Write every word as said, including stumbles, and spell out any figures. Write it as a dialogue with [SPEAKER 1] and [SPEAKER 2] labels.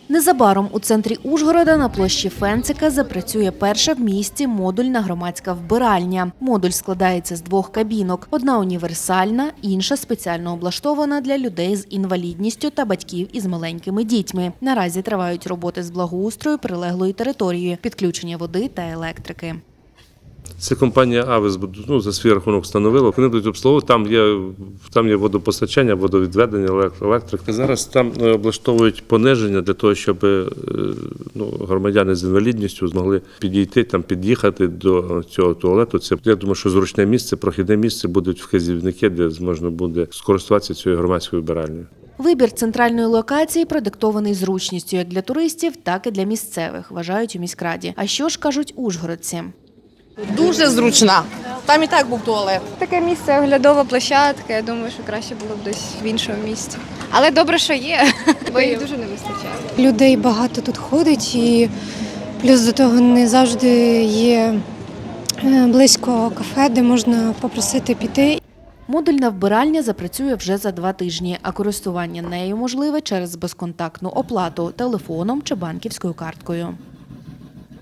[SPEAKER 1] Незабаром у центрі Ужгорода на площі Фенцика запрацює перша в місті модульна громадська вбиральня. Модуль складається з двох кабінок. Одна універсальна, інша спеціально облаштована для людей з інвалідністю та батьків із маленькими дітьми. Наразі тривають роботи з благоустрою прилеглої території, підключення води та електрики.
[SPEAKER 2] Це компанія «Авес» ну, за свій рахунок встановила. Вони будуть обслуговувати, там є, там є водопостачання, водовідведення, електрика. Зараз там облаштовують пониження для того, щоб ну, громадяни з інвалідністю змогли підійти, там, під'їхати до цього туалету. Це, я думаю, що зручне місце, прохідне місце, будуть вказівники, де можна буде скористуватися цією громадською вбиральнею.
[SPEAKER 1] Вибір центральної локації продиктований зручністю як для туристів, так і для місцевих, вважають у міськраді. А що ж кажуть ужгородці?
[SPEAKER 3] Дуже зручна. Там і так був туалет.
[SPEAKER 4] Таке місце, оглядова площадка, я думаю, що краще було б десь в іншому місці. Але добре, що є, бо їх дуже не вистачає.
[SPEAKER 5] Людей багато тут ходить і плюс до того не завжди є близько кафе, де можна попросити піти.
[SPEAKER 1] Модульна вбиральня запрацює вже за два тижні, а користування нею можливе через безконтактну оплату – телефоном чи банківською карткою.